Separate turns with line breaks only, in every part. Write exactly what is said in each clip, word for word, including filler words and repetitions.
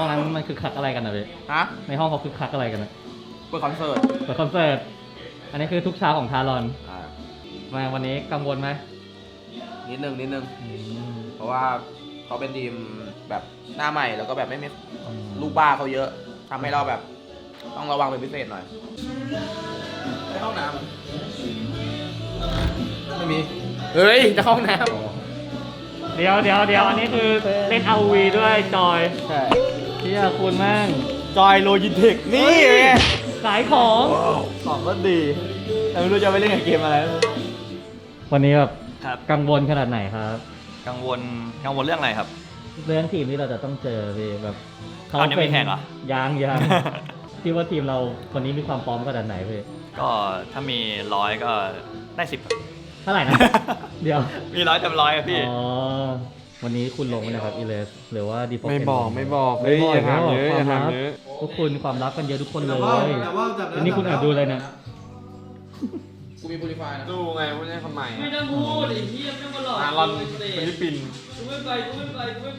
องนั้นมันคือคักอะไรกันนะเว้ย
ฮะ
ในห้องเขาคือคักอะไรกันนะ
เปิดคอนเสิร์ต
เปิดคอนเสิร์ตอันนี้คือทุกเช้าของทารอน
อ่า
มาวันนี้กังวลไหม
นิดนึงนิดนึงเพราะว่าเขาเป็นทีมแบบหน้าใหม่แล้วก็แบบไม่มีลูกบ้าเขาเยอะทำให้เราแบบต้องระวังเป็นพิเศษหน่อยในห้องน้ำไม่มีเฮ้ยจะเข้าห้องน้ำ
เดี๋ยวเดี๋ยวเดี๋ยวอันนี้คือเล่น อาร์ โอ วี ด้วยจอย
ใช่
เที่ยคุณแม่ง
จอยโลจิเทคนี่ไง
ขายของ
ของก็ดีแต่ไม่รู้จะไปเล่นกับเกมอะไร
วันนี้แบบ
ครับ
กังวลขนาดไหนครับ
กังวลกังวลเรื่องอะไรครับ
เรื่องทีมที่เราจะต้องเจอพี่แบบ
เอายังไม่แข่งเหรอ
ยังยังที่ว่าทีมเราวันนี้มีความพร้อมขนาดไหนพี่
ก็ถ้ามีร้อยก็ได้สิบ
เท่าไหร่นะ เดี๋ยว
มีร้อยเต็มร้อยอะพี่
อ๋อวันนี้คุณลงไหมนะครับอีเลสหรือว่าดีโฟ
ไม่บอกไม่บอก
ไม่บอก
อย่าถามเยอะ
ค
อ
วาม
ย่าถาม
ลับ
เยอะ
พวกคุณความลับกันเยอะทุกคนเลยวันนี้คุณแอบดูเลยนะ
กูมีโปรไฟล์นะ
ดูไงว่าเนี่ยคนใหม่
ไม่ต้องพูดไอ้เหี้ยไม่ต้องมาหลอก
อารอนฟิลิปปินส์
กูไม่ไปกูไม่ไปกูไม่ไป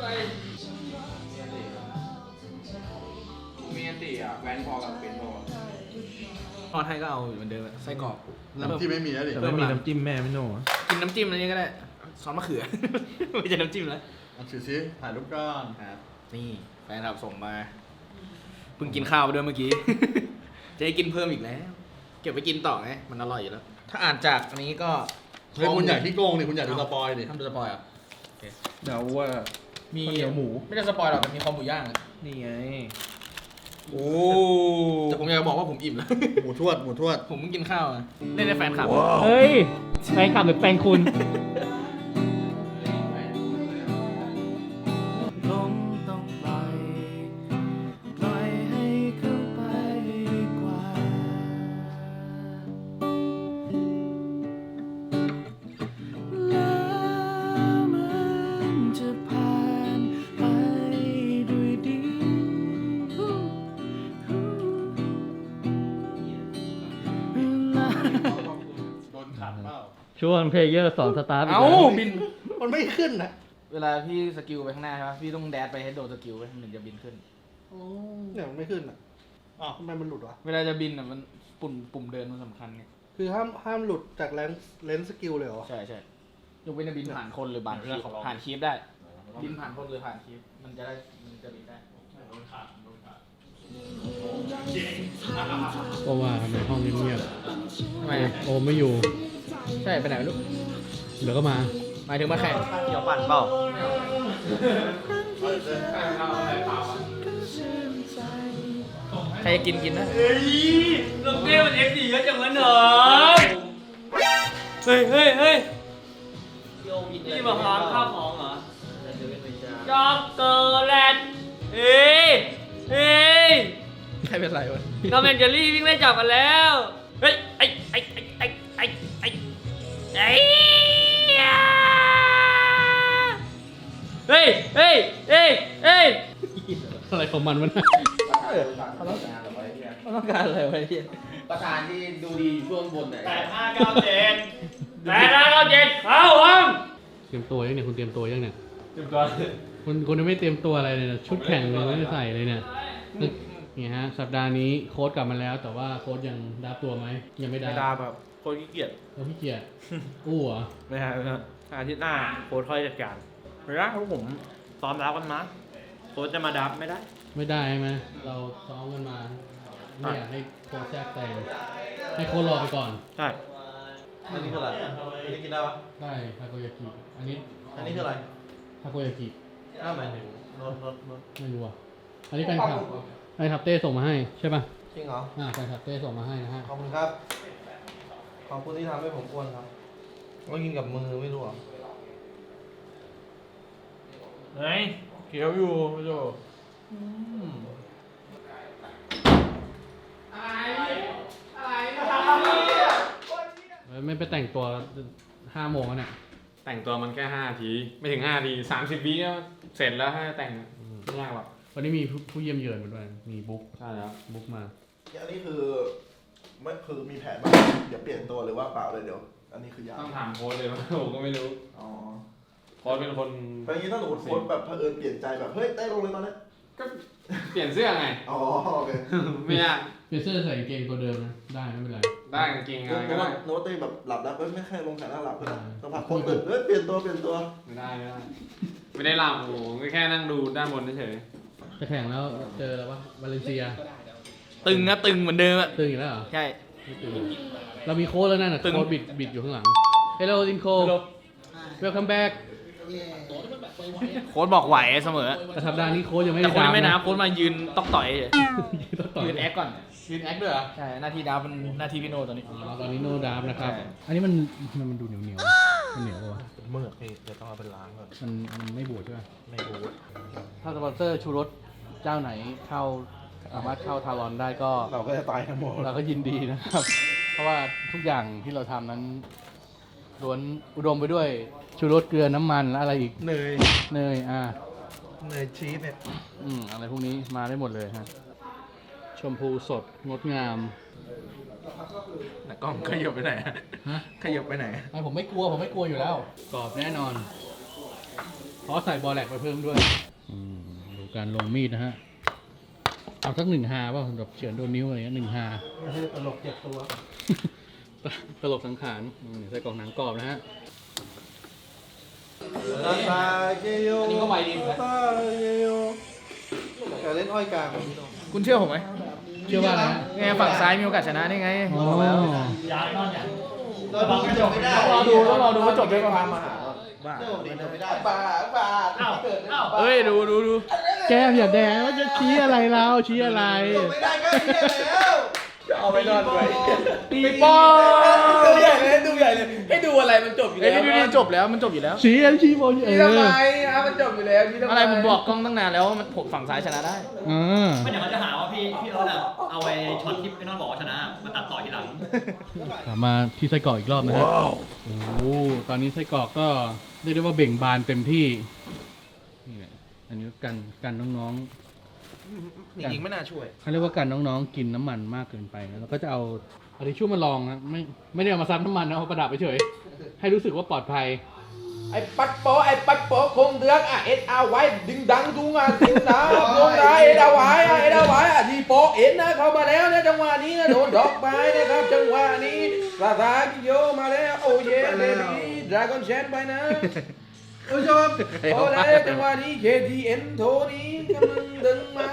กูมีอันติอ่ะแวนพอกับเป็นพอ
ทอดให้ก็เอาเหมือนเดิมอะไส้กรอก
น้ำจิ้มไม่มีแล้วดิ
แต่ไม่มีน้ำจิ้มแม่ไม่โน่
กินน้ำจิ้มอะไรนี้ก็ได้ซอสมะเขือ ไม่ใช่น้ำจิ้มแล้ว
เอาถือซิถ่ายรูปก้อน
ครับนี่แฟนคลับส่งมาเพิ่งกินข้าวไปด้วยเมื่อกี้ จะให้กินเพิ่มอีกแล้ว เก็บไปกินต่อไงมันอร่อยอยู่แล้ว ถ้าอ่านจากอันนี้ก็
เฮ้ยคุณอยากที่โกงดิคุณอยากดูสปอยดิ
ทำดูสปอยล์เหรอ่ะ
เดาว่า
มี
ข้าวเหนียวหมู
ไม่ได้สปอยล์หรอกแต่มีคอหมูย่างอะ
นี่ไง
โอ้แต่ผมอยากจะบอกว่าผมอิ่มแล้ว
หมูทวดหมูทวด
ผมเพิ่งกินข้าวอะเล่นในแฟนคลับ
เฮ้ยแฟนคลับหรือแฟนคุณ
ลงต้องปล่อยปล่อยให้เข้าไปดีกว่าแล้วมันจะผ่านไปด้วยดีเวลา
โดนขัดเปล่า
ช่วงเพลเยอร์สอนสตาร์ท
เอ้า
แล้ว
บิน
มันไม่ขึ้นนะ
เวลาพี่สกิลไปข้างหน้าใช่ปะพี่ต้องแดดไปให้โดนสกิลไปถึงจะบินขึ้น
เนี่ยมันไม่ขึ้นอ่ะอ๋อทำไมมันหลุดวะ
เวลาจะบินอ่ะมันปุ่มปุ่มเดินมันสำคัญไง
คือห้ามห้ามหลุดจากเลนส์เลนส์สกิลเลยเหรอ
ใช่ใช่ยกเว้นจะบินผ่านคนหรือผ่านคีฟผ่านคีฟได้ บินผ่านคนหรือผ่านคีฟมันจะได้มันจะบินได้
ก็ว่าทำไมห้องเงียบ
ทำไม
ๆโอมไม่อยู่
ใช่ไปไหนไม่รู้
เดี๋ยวก็มา
หมายถึงมาแข่ง
เกี่ยวปั่นเปล่า
ใครจะกินกินนะ
เฮ้ยลงเต้มันเอฟดีก็จังวะหนอเฮ้ยเฮ้ยเฮ้ยนี่มาหาข้าวของเหรอจ็อกเกอร์แลนด์เฮ้ยเฮ้ย
ใครเป็นไรวะ
ทอมแอนเจอรี่วิ่งไล่จับกันแล้ว เฮ้ย ไอ้ ไอ้ ไอ้ ไอ้ ไอ้ ไอ้ ไอ้เฮ้ย เฮ้ย เฮ้ย เฮ้ย
อะไรของมันวะเนี่ย
เขาต้องการอะไรวะเนี่ย
ประธานที่ดูดีอยู่ช่วงบนไหน
แปดห้าเก้าเจ็ดแปดห้าเก้าเจ็ดเข้าห้อง
เตรียมตัวยังเนี่ยคุณเตรียมตัวยังเนี่ยเตรียมตัวคุณคุณยังไม่เตรียมตัวอะไรเลยเนี่ยชุดแข่งเลยไม่ได้ใส่เลยเนี่ยนี่ฮะสัปดาห์นี้โค้ชกลับมาแล้ว แต่ว่าโค้ชยังดับตัวไหมยังไม่ดับ
ไม่ได้แบบโค้ชขี้เกียจ
เราพี่เกียรติอู้เหรอ
ไม่ใช่ไม่ใช่อาทิตย์หน้าโค้ชค่อยจัดการไม่ได้เพราะผมซ้อมรับกันมาโค้ชจะมาดับไม่ได้
ไม่ได้ใช่ไหมเราซ้อมกันมาไม่อยากให้โค้ชแทรกแซงให้โค้ชรอไปก่อน
ใช่
อันนี้คืออะไรอันนี้กินได้ปะ
ได้ทาโกยากิอันนี้
อันนี้คืออะไร
ทาโกยากิ
อ้าวหมายถึงรถรถรถ
ไม่รู้อ่ะอันนี้แฟนคลับแฟนคลับเต้ส่งมาให้ใช่ป่ะ
จริงเหรอ
อ่าแฟนคลับเต้ส่งมาให้นะฮะ
ขอบคุณครับ ขอบคุณที่ทำให้ผมอ้วนครับก็กินกับมือไม่รู้เหรอ
เฮ้ยเขียวอยู่พี่โจ
ไม่ไปแต่งตัวห้าโมงแล้วเนี่ย
แต่งตัวมันแค่ห้าทีไม่ถึงห้าทีสามสิบวิก็เสร็จแล้วถ้าแต่งไม่ยากหรอก
วันนี้มีผู้ผู้เยี่ยมเยือนมาด้วยมีบุ๊ก
ใช่แล้ว
บุ๊กมา
อันนี้คือไม่คือมีแผนบ้างเดี๋ยวเปลี่ยนตัวหรือว่าเปล่าเลยเดี๋ยว อันนี้คือยาว
ต้องถามโค้ชเลยว่า ผมก็ไม่รู้
อ๋อ
โค้ชเป็นคน
เพราะอย่างนี้ถ้าสมมติโค้ชแบบเผอิญเปลี่ยนใจแบบเฮ้ยเต้ลงเลยตอนนี้
ก็เปลี่ยนเสื้อไง
อ๋อโอเค
ไม่ยาก
เปลี่ยนเสื้อใส่กางเกงตัวเดิมนะได้ไม่เป็นไร
ได้กางเกงอะไร
โน้
ก็
ต
ได้
โน้ตตีแบบหลับแล้วเอ้ยไม่แค่ลงแขนแล้วหลับเลยสักพักคนตื่นเอ้ยเปลี่ยนตัวเปลี่ยนตัว
ไม่ได้ไม่ได้ไม่ได้หลับโอ้โหก็แค่นั่งดูด้านบนเฉย
จะแข่งแล้วเจอแล้วปะวาเลนเซีย
ตึงนะตึงเหมือนเดิมอะ
ตื่นอีกแล้วเหรอ
ใช่
ไม่ตื่นเรามีโค้ดแล้วนั่นน่ะ
ตึง
โค้ดบิดบิดอยู่ข้างหลัง Hello Dinko Welcome back
โค้ดบอกไหวเสมอ
แต่สัปดาห์นี้โค้ดยังไม่
แต่
ได้
โค้ดยังไม่นับ
นะ
โค้ดมายืนตอกต่อยเฉย
ต้องต่อ
ยืนแอคก่อนยืนแอคด้วยเหรอใช่หน้าที่ดับมันหน้าที่พี่โนตอนนี้
อ๋อตอนนี้โนดาฟนะครับ
ใช่
อันนี้มันมันมันดูเหนียวเหนียวมันเหนียวปะวะ
เมื่อพี่เดี๋ยวต้องเอาไปล้างก่อน
มันมันไม่บูดใช่ไหม
ไม่รู้
ถ้าสปอนเซอร์ชูรสเจ้าไหนเข้าสามารถเข้าทารอนได้ก็
เราก็จะตายทั้งหมด
เราก็ยินดีนะครับ เพราะว่าทุกอย่างที่เราทำนั้นล้วนอุดมไปด้วยชูรสเกลือน้ำมันและอะไรอีก
เนย
เนยอ่า
เนยชีสเนี่ย
อืมอะไรพวกนี้มาได้หมดเลยฮะชมพูสดงดงาม
นักกล้องขยับไปไหน
ฮะ
ขยับไปไหน
ไอ้ผมไม่กลัวผมไม่กลัวอยู่แล้วกรอบแน่นอนเพราะใส่บอแลกไปเพิ่มด้วยอืมดูการลงมีดนะฮะเอาสักหนึ่งฮาป่ะแบบเฉือนโดนนิ้วอะไรเงี้ยหนึ่งฮา
ตลกเจ็บตัว
ตลกสังขารอืมใส่กล่องหนังกรอบนะฮะ
อันนี้ก็ไวดีนะแต่เล่นอ้อยกลาง
คุณเชื่อผมไหม
เชื่อว่าอะไรฮะ
ไงฝั่งซ้ายมีโอกาสชนะได้ไง
อ๋อ
บอกแล้ว
ย้ายนอนอย่าง
รอดูต้องรอดูว่าจบด้วยความมาหา
บ้าไม่ได้บ้าบ้า
เอ้าเอ้า
เอ้ยดูดูดู
แก้มอย่าแดงว่าจะชี้อะไรเราชี้อะไร
ไม่ได้ก็เฮียแล้ว
เอาไปนอนไว้ตีปอดูใหญ่เลยดูใหญ่เลยให้ดูอะไรมันจบอยู่แล้วมันจบแล้วมันจบอยู่แล้ว
ชี้อันชี้บนเออ
อ่ะมันจบอยู่แล้วอะไรผมบอกกล้องตั้งนานแล้วว่ามันฝั่งซ้ายชนะได้
อ่า
ไม่เดี๋ยวเขาจะหาว่าพี่พี่รถอะเอาไอ้ช็อตที่พี่นอนบอกว่าชนะมาตัดต่อทีหลัง
กลับมาที่ไส้กรอกอีกรอบนะฮะโอ้โหตอนนี้ไส้กรอกก็เรียกได้ว่าเบ่งบานเต็มที่นี่แหละอันนี้กันกันน้องๆ
จริงๆไม่น่าช่วย
เขาเรียกว่ากันน้องๆกินน้ำมันมากเกินไปนะแล้วก็จะเอาเอาทิชชู่มาลองนะไม่ไม่ได้เอามาซับน้ำมันนะเอาประดับไปเฉยให้รู้สึกว่าปลอดภัย
ไอ้ปัดโปไอ้ปัดโปคงเดือกอ่ะเอ็ดเอาไว้ดึงดังดูงานดึงนะลงนะเอ็ดเอาไว้อ่ะเอ็ดเอาไว้อ่ะทีโปเอ็นนะเข้ามาแล้วนะจังหวะนี้นะโดนดอกไปนะครับจังหวะนี้ปราสาทโยมาแล้วโอ้เย่เบบี้ดราก้อนแชนไปนะผู้ชมโอ้ได้จังหวะนี้ เค ที เอ็น โทนี้กำลังดึงมา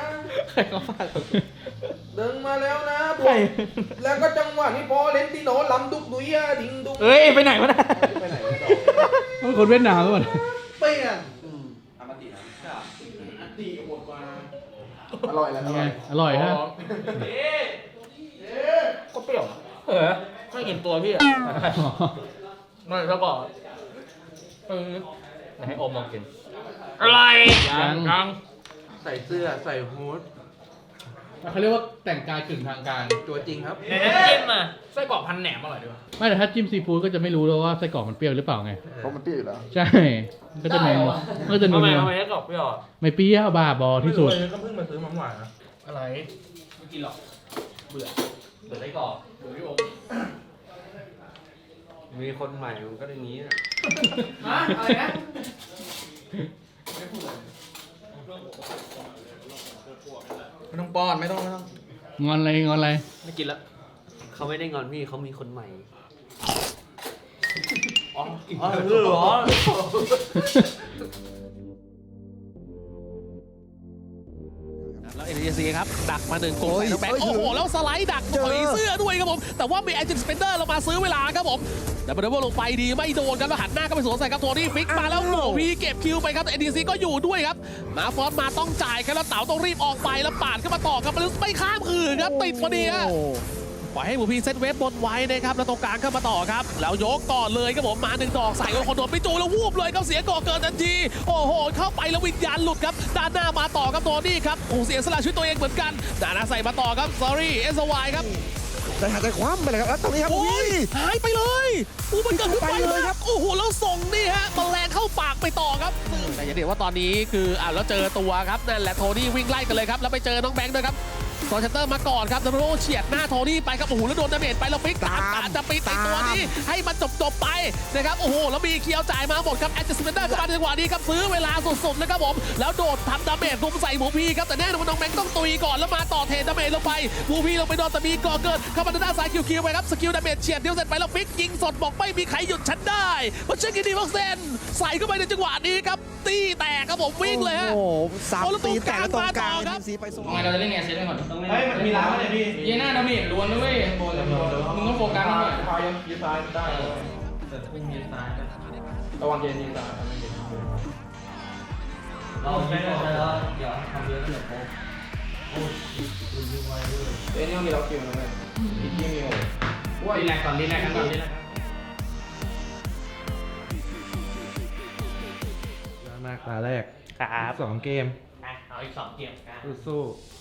ดึงมาแล้วนะพวกแล้วก็จังหวะนี้พอเลนติโนลำดุกดุยอะดิ่งดุก
เอ้ยไปไหนวะน่ะ
ไปไหนไม่ต่อ
มันคนเวียดนามหรือเปล่า
เปลี่ยน
อามาตินะ
อร่อยแล้วอ
ไง
ร่อย
อร่อยฮะ
ก็เปรี้ยวเออไม่เห็นตัวพี่อ่ะไม่แล้วก็เออให้อมลองกิน
อะไร
ยังยัง
ใส่เสื้อใส่ฮู้ด
เขาเรียกว่าแต่งกายกึ่งทางการ
ตัวจริงครับ
ในน้ำจิ้มอ่ะ
ไส้กรอกพันแหนมอร่อยด้วย
ไม่แต่ถ้าจิ้มซีฟู้ดก็จะไม่รู้แล้วว่าไส้กรอกมันเปรี้ยวหรือเปล่าไง
เพราะมันเปรี้ยวอยู่แล้ว
ใช่ก็จะนัวก็จะนั
ทำ
ว
ไมทำไมไส้กรอกเปรี้ยวอ่ะ
ไม่เปรี้ยวบ้าบอที่สุด
ก็เพิ่งมาซื้อมาหวานนะ
อะไร
ไม่กินหรอกเบื่อเบื่อไส้กรอกเบื่อพี่โอม
มีคนใหม่มันก็อย่างนี้นะ
ฮะอะไรนะ
ไม่ต้องป้อนไม่ต้องไม่ต้อง
งอนอะไรงอนอะไร
ไม่กินละ
เขาไม่ได้งอนพี่เขามีคนใหม่
อ๋ออ๋อเหรอ
แล้วเอ็น ที ซี ครับ ดักมาหนึ่งโกลใส่น้องแบงค์โอ้โห แล้วสไลด์ดักต่อยเสื้อด้วยครับผม แต่ว่ามีแอนจินสเปนเดอร์เรามาซื้อเวลาครับผมแต่บันเดอร์ลงไปดีไม่โดนครับแล้วหันหน้าก็ไปสวนใส่ครับโทนี่ฟิกมาแล้วโหวีเก็บคิวไปครับแต่ เอ็น ที ซี ก็อยู่ด้วยครับมาฟอสมาต้องจ่ายครับแล้วเต๋าต้องรีบออกไปแล้วปาดเข้ามาต่อครับมันไม่ข้ามคืนครับติดพอดีฮะปล่อยให้หมูพีเซตเวฟบนไว้นะครับแล้วตรงกลางเข้ามาต่อครับแล้วยกก่อนเลยครับผมมาหนึ่งดอกใส่คนโดนไปจูแล้ววูบเลยครับเสียก่อเกินทันทีโอ้โหเข้าไปแล้ววิญญาณหลุดครับด้านหน้ามาต่อครับโทนี่ครับโอ้เสียสละชีวิตตัวเองเหมือนกันด้านหน้าใส่มาต่อครับ sorry เอสวายครับ
แต่หาใจคว้ำไปเลยครับแล้วตรงนี้ครับ
โอ้ยหายไปเลยอู้มันเกิดขึ้นไปเลยครับโอ้โหแล้วส่งนี่ฮะแมลงเข้าปากไปต่อครับแต่อย่าเดี๋ยวว่าตอนนี้คืออ่าแล้วเจอตัวครับนั่นแหละโทนี่วิ่งไล่กันเลยครับแล้วไปเจอน้องแบงค์ด้วยครับโซเชเตอร์มาก่อนครับดับเบิลเฉียดหน้าโทนี่ไปครับโอ้โหแล้วโดนดาเมจไปแล้วฟิกตามตามจะปิดไอตัวนี้ให้มันจบจบไปนะครับโอ้โหแล้วมีเคียวจ่ายมาหมดครับแอดเจสเปนเดอร์เข้ามาในจังหวะนี้ครับซื้อเวลาสุดๆนะครับผมแล้วโดดทำดาเมจรุมใส่หมูพีครับแต่แน่นอนน้องแบงค์ต้องตุยก่อนแล้วมาต่อเทดาเมจลงไปหมูพีลงไปโดนแต่มีก่อเกิดเข้ามาด้านซ้ายคิวคิวไปครับสกิลดาเมจเฉียดเดียวเสร็จไปแล้วฟิกยิงสดบอกไม่มีใครหยุดฉันได้เพราะเช็คกินดีบ็อกเซนใส่เข้าไปในจังหวะนี้ครับตีแตกครับผมวิ่งเลยฮะ
โอ้โหสาม
โอ้แล้ว
ตี
ตรง
แต่ละตรงกลาง
กลางมาต่อครับ
ทีมซีไปส่ง
ทำไมเราจะเล่นไงเซตก่อน
เฮ้ยมันมีร้านอะไรพี่
เยน่าดาเมจล้วนนะเว้ยมึงต้องโฟกัสหน่อย
พายยืดซ้ายได้
แต่พุ่งยืนซ้ายนะ
ระวังเย็นยิงซ้าย
เราไม่ได้แล้วเดี๋ยวทำเยอะเดี๋ยวโป๊ะโอ้ยคุณยิงไวด้วย
เอ้ยนี่มีล็อกคิวนะแม่อีกที่มีโอ้
รีแลกก่อนรีแลกกันก่อน
มากตาแรก
ครับ
สองเกม
เอาอีกสองเกมกัน
สู้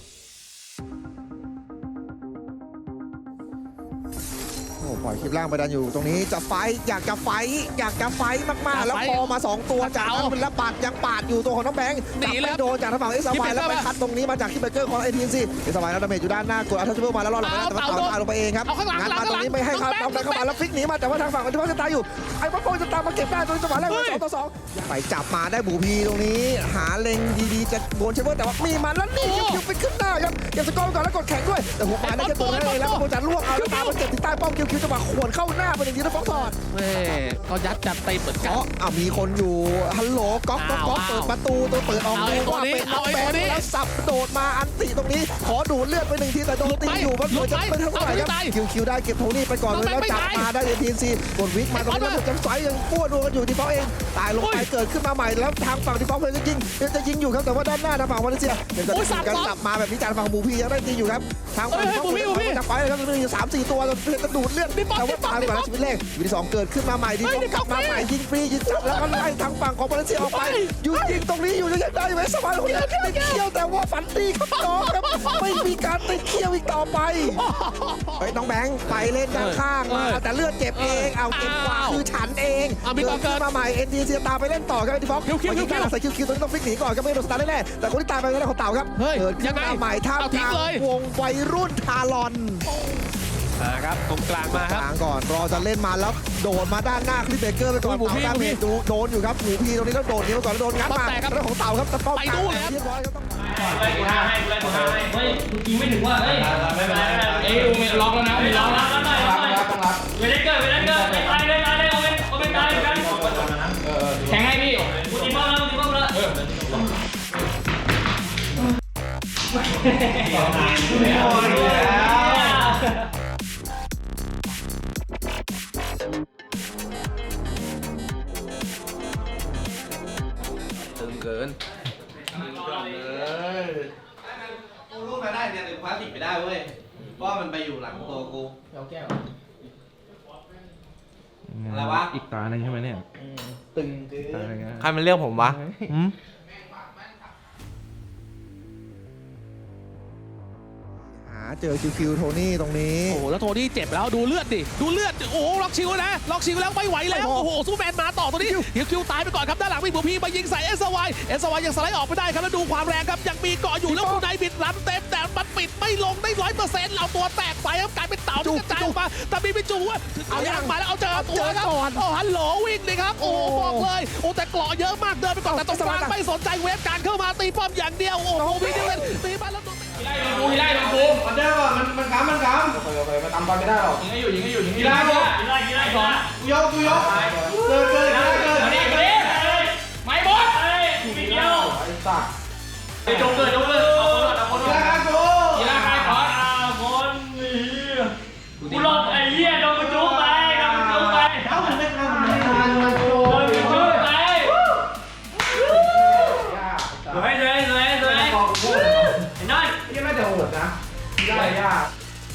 โอ้โหปล่อยคลิปล่างไปดันอยู่ตรงนี้จะไฟท์อยากจะไฟท์อยากจะไฟท์มากๆ แล้วพอมาสองตัวจากนั้นมันระบาดยังปาดอยู่ตัวของน้องแบงค์
หนีแล้ว
จับไม่โดนจากทางฝั่งเอสวายแล้วไปคัดตรงนี้มาจากคิปเบเกอร์ของไอทีซีเอสวายแล้วดาเมจอยู่ด้านหน้ากดอัลทัชเบิลมาแล้วรอดลงไปได้แต่ว่าเต่าตายลงไปเองครับ
เอาข้างหลัง
งัด
หลัง
มาตรงนี้ไม่ให้เขา
หลัง
เอาไปเข้ามาแล้วฟิกหนีมาแต่ว่าทางฝั่งอัลทัชเบิลจะตายอยู่ไอ้บอลโปจะตามมาเก็บได้ตรงจังหวะแรกเป็นสองต่อสองไปจับมาได้บูพีตรงนี้ หาเล็งดีๆจะโดนเชเบิลแต่ว่ามีมันแล้วนี่คิวฟิกขึ้นหน้าครับเก็บสกอร์ก่อนแล้วกดแข่งด้วยแต่หัวปลายได้แค่ตัวนั้นเองแล้วโปจะล่วงเอาแล้วตามมาเก็บที่ใต้ป้อมคิวคิวจังหวะขวนเข้าหน้าเป็นอย่างนี้แล้วฟ้องถอด
แม่ก็ยัดจัดเต็มเหมือนกัน
อ๋ออ่ะมีคนอยู่ฮัลโหลก๊อกก๊อกก๊อก
อ้าว
เปิดประตูตัวเปิดออก
เอา
เล
ไอ้
ย
ตัว
ว่า
นี้
เป็นน้
เอา
อง
ไอ้
แบ
ตัว
ง
นี้
ค์แล้วสับโดดมาอันติตรงนี้ ขอดูดเลือดไปหนึ่งทีแต่โดนตีอยู่มันเหมือนจะเป็นเท่าไหร่ครับคิวคิวได้เก็บโทนี่ไปก่อนเลยแล้วจับมาได้เอ็นทีซีกดวิกมาตรงนี้แล้วจังไฟยังป้วนกันอยู่ที่เขาเองตายลงไปเกิดขึ้นมาใหม่แล้วทางฝั่งที่เขาเพลจะยิงจะยิงอยู่ครับแต่ว่าด้านหน้าทางฝั่งวาเลนเซียยังจะยิงกันกลับมาแบบนี้จากฝั่งบูพียังได้ตีอยู่ครับทางฝั่งเขาเพลจะไปเลยครับมีอยู่สามสี่ตัวเพลจะดูดเลือดแต่ว่าตายก่อนชีวิตแรกชีวิตที่สองเกิดขึ้นมาใหม่ที่ต้องกลับมาใหม่ยิงฟรียิงจับแล้วก็ไล่ทางฝั่งของวาเลนเซียออกไปหยุดยิงตรงนี้อยู่ยังได้ไหมสบายคนนี้ติดเขี้ยวแต่ว่าฝันดีครับน้องครับไม่มีการติดเขี้ยวอีกต่อไปเฮ้ยน้องแบงค์ไปเล่นด้านข้างมาแต่เลือดเจ็บเองเอาเก็บกว่าคือฉันเองเกิดขึ้นมาใหม่เอ็นดีเซียตามไปเล่นต่อครับไอ้ที่ฟ็อกไปยิงการใส่คิวคิวตัวนี้ต้องฟิกหนีก่อนก็ไม่โดนสตาร์ทแน่ๆแต่คนที่ตายไปนั่นของเต่าครับเกิดขึ้นมาใหม่ท่ามกลางวงวัยรุ่นทารอน
นะครับตรงกลางมาค
ก
รับ
ลางก่อนรอจะเล่นมาแล้วโดดมาด้านหน้าคลิปเบเกอร์ไปก่อน
หมูพี่
เต่าดาเมจโดนอยู่ครับหมูพีตรงนี้แล้วโดดนี้มาก่อนแล้วโดนงัดมา
แตกครับ
เรื่องของเต่าครับตะป้อม
ไปนู่นเลยครับ
เรียบร้อยครับต้อง
ไล่กูห้าให้ไล่กูห้าให้เฮ้ยกูยิงไม่ถึงว่ะเฮ้ยไม่เป็นไรไม่เป็นไร
เอ้ยมีล็อกแล้วนะมีล็
ล็
อ
อกก
แล้
แล้ว วแล้วหน่อยแล้วหน่อยต้องรับเวลเกอร์เวลเกอร์ตายเลยตายเลยเอาเป็นเอาเป็นตายเหมือนกัน
แข่งให้พี่
กูตีป้อมแล้วกูตีป้อมแล้วเออ
ตึงเกิน
กูรูดมาได้เนี่ยแต่พลาสติกไปได้เว้ยเพราะมันไปอยู่หลังตัวกูเอาแก้วอะไรวะ
อีกตาหนึ่งใช่ไหมเนี่ย
ตึงเกิน
ตาหนึ่ง
ใครมันเรียกผมวะ
หาเจอคิวคิวโทนี่ตรงนี้
โอ้โหแล้วโทนี่เจ็บแล้วดูเลือดดิดูเลือดดิโอ้โหล็อกชิวนะล็อกชิวแล้วไม่ไหวแล้วโอ้โหซูเปอร์แมนมาต่อตัวนี้คิวคิวตายไปก่อนครับด้านหลังมีหมูพีมายิงใส่เอสวายเอสวายยังสไลด์ออกไม่ได้ครับแล้วดูความแรงครับยังมีเกาะอยู่แล้วคุณนายบิดรับเต็มแต่มันปิดไม่ลงได้ร้อยเปอร์เซ็นต์เอาตัวแตกไปครับกลายเป็นเต่าที่กระจายออกมาแต่มีไม่จูว่าเอายางมาแล้วเอาเจอตัวครับโอ้ฮัลโหลวิ่งเลยครับโอ้บอกเลยโอ้แต่เกาะเยอะมากเดินไปก่อนแต่ตรงกลางไม่สนใจเวฟการเข้ามาตีป้อมอย่างเดียวโอ้โหมีเดียวตีมาแล้ว
กูไล่ลงกู
มันเด้อว่ะมันมันค้ำมันค้ำ
โอเคโอเคมาตามบอลไม่ได้หรอก
ยิงให้อยู่ยิงให้อยู่ยิงให้อ
กี
ยู่
ฬาบอล
กีฬากีฬาก่อน
กูยกกูยกเกินเกินเกินเกิน
มาดิมาดิไม่บอส
เฮ้ยมีเดียว
ไอ้สัตว์
ไปจงเกิดจงเกิดเอาคนก่อนเอาคน
กี
ก่อน
ฬากู
กีฬาใครขอ
อ้าวคนนี่กูหลบไอ้เหี้ยโดนกูจุ๊บไปโดนกูจุ๊บไป
เอ้ามันไม่ทำมันไม่ทำมันโก
โดน
ง
กูจุ๊บไปสวยสวยสวยสวยไอ้น้อย
ที่น่าจะโหดนะได้ยาก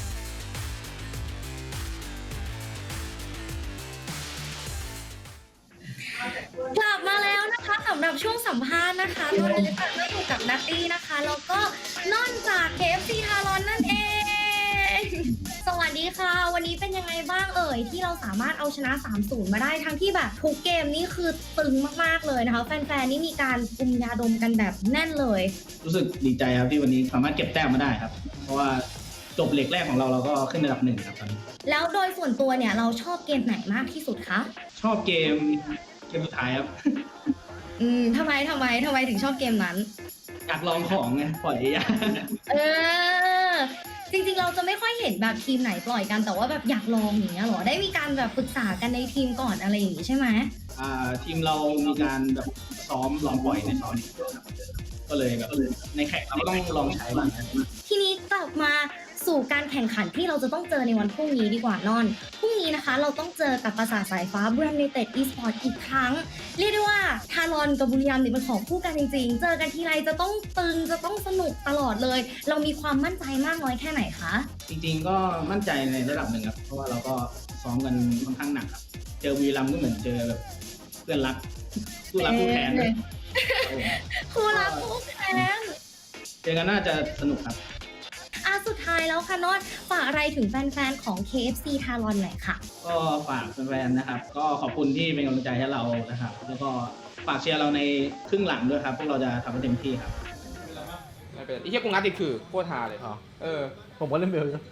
กลับมาแล้วนะคะสำหรับช่วงสัมภาษณ์นะคะตอนนี้ก็อยู่กับนัตตี้นะคะแล้วก็ล่อนจาก เค เอฟ ซี ทารอนนั่นเอง สวัสดีค่ะ วันนี้เป็นยังไงบ้างเอ่ยที่เราสามารถเอาชนะ สามศูนย์ มาได้ทั้งที่แบบทุกเกมนี่คือตึงมากๆเลยนะคะแฟนๆนี่มีการกุมยาดมกันแบบแน่นเลย
รู้สึกดีใจครับที่วันนี้สามารถเก็บแต้มมาได้ครับ เพราะว่าจบเหล็กแรกของเราเราก็ขึ้นระดับหนึ่งครับตอนนี้
แล้วโดยส่วนตัวเนี่ยเราชอบเกมไหนมากที่สุดคะ
ชอบเกมเกมสุดท้ายครับ
อืมทำไมทำไมทำไมถึงชอบเกมนั้น
อยากลองของไงปล่อยยาก
เออ จริงๆเราจะไม่ค่อยเห็นแบบทีมไหนปล่อยกันแต่ว่าแบบอยากลองอย่างเงี้ยเหรอได้มีการแบบปรึกษากันในทีมก่อนอะไรอย่างงี้ใช่ไหม
อ่าทีมเรามีการแบบซ้อมลองปล่อยในซ้อมก็เลยแบบในแข่งเราก็ต้องลองใช้บ้างนะ
ทีนี้กลับมาสู่การแข่งขันที่เราจะต้องเจอในวันพรุ่งนี้ดีกว่านอนพรุ่งนี้นะคะเราต้องเจอกับปราสาทสายฟ้าบุรีรัมย์ยูไนเต็ดอีสปอร์ตอีกครั้งเรียกได้ว่าทารอนกับบุรีรัมย์เนี่ยเป็นของคู่กันจริงๆเจอกันทีไรจะต้องตึงจะต้องสนุกตลอดเลย เรามีความมั่นใจมากน้อยแค่ไหนคะ
จริงๆก็มั่นใจในระดับหนึ่งครับเพราะว่าเราก็ซ้อมกันค่อนข้างหนักครับเจอบุรีรัมย์ก็เหมือนเจอแบบเพื่อนรักคู่รักคู่แค้นนะ
คู่รักคู่แค้น
เจอกันน่าจะสนุกครับ
อ่ะสุดท้ายแล้วค่ะนอนฝากอะไรถึงแฟนๆของ เค เอฟ ซี ทารอนหน่อยค่ะ
ก็ฝากแฟนๆนะครับ ก็ขอบคุณที่เป็นกำลังใจให้เรานะครับ แล้วก็ฝากเชียร์เราในครึ่งหลังด้วยครับ พวกเราจะทำให้เต็มที่ครับ
ไม่เป็นไรไอ้เหี้ยกูงัดติดคือโคตรฮาเลยเออ
ผมก็เล่นเบลอยู่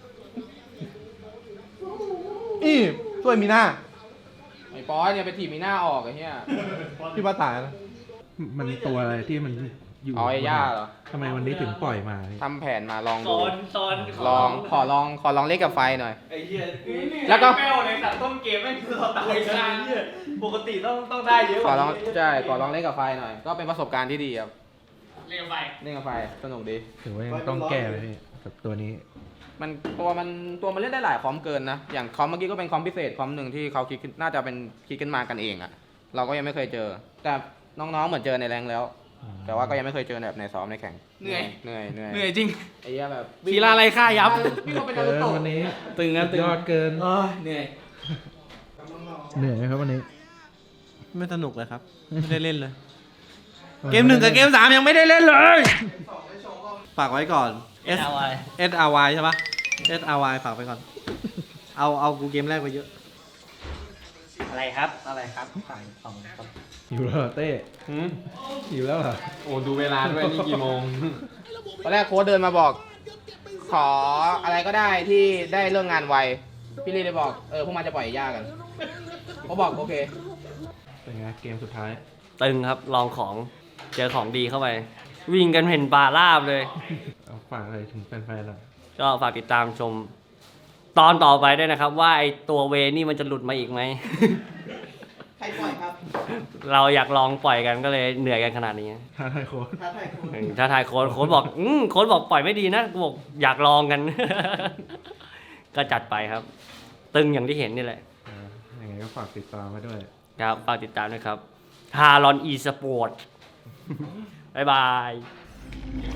อีช่วยมีหน้า
ไอ้ปอยเนี่ยไปถีบมีหน้าออกไอ้เหี้ย
พี่ป้าตายนะ
มันตัวอะไรที่มันอยู่
อ๋อไอ้ย่าเหรอ
ทำไมวันนี้ถึงปล่อยมา
ทำแผนมาลอง
ต
ดู
อนตอน
ลองขอลองขอลองเล่นกับไฟหน่อย
ไอ้เหี้ย
แล้วก็
แป้วในสัตว์ต้นเกมไม่คือเราตายกันไอ้เหี้ยปกติต้องต้องได้เยอะ
ขอลองใช่ขอลองเล่นกับไฟหน่อย ก็เป็นประสบการณ์ที่ดีครับ
เรียกไป
เล่นกับไฟสนุกดี
ถือว่ายังต้องแก้เลยพี่กับตัวนี้
มันตัวมันตัวมันเล่นได้หลายคอมเกินนะ อย่างคอมเมื่อกี้ก็เป็นคอมพิเศษคอมหนึ่งที่เขาคิดขึ้นน่าจะเป็นคิดขึ้นมากันเองอะเราก็ยังไม่เคยเจอ แต่น้องๆเหมือนเจอในแรงแล้ว แต่ว่าก็ยังไม่เคยเจอแบบในซ้อมในแข่ง
เหนื่อย
เหนื่อยเหนื่อย
เหนื่อยจริง
ไอ้เหี้ยแบบ
กีฬาอะไรค่ายับ
พี่ก็เป็นนา
เกิ
รู
น
โตะ
วันนี้
ตึงนะตึง
ยอดเกิน
เออเหนื่อย
เหนื่อยไหมครับวันนี้
ไม่สนุกเลยครับ ไม่ได้เล่นเลย เกมหนึ่งกับเกมสามยังไม่ได้เล่นเลย ฝากไว้ก่อน S S R Y ใช่ปะ S R Y ฝากไปก่อน เอาเอากูเกมแรกไปเยอะ
อะไรครับอะไรครับสั่งสองครับ
หิวแล้วเหรอเต้หิวแล้วเหรอ
โอ้ดูเวลาด้วยนี่กี่โมง
ตอนแรกโค้ชเดินมาบอก ขออะไรก็ได้ที่ได้เรื่องงานไว พี่ลีเลยบอก เออพวกมันจะปล่อยย่ากันเขาบอกโอเค
เป็นไงเกมสุดท้าย
ตึงครับลองของเจอของดีเข้าไป วิ่งกันเห็นป่าราบเลย
เอาฝากอะไรถึงแฟนๆเรา
ก็ฝากติดตามชม ตอนต่อไปด้วยนะครับ ว่าไอตัวเวนี่มันจะหลุดมาอีกไหม
ใครปล่อยครับ
เราอยากลองปล่อยกันก็เลยเหนื่อยกันขนาดนี้
ท้าทายโค้ช
ท้าทายโค้ช
อืมถ้าทายโค้ดโค้ดบอกอืมโค้ดบอกปล่อยไม่ดีนะกูบอกอยากลองกัน ก็จัดไปครับ ตึงอย่างที่เห็นนี่แหละ
อ่ายังไงก็ฝากติดตามมาด้วย
ครับฝากติดตามด้วยครับฮารอนอีสปอร์ต บ๊ายบาย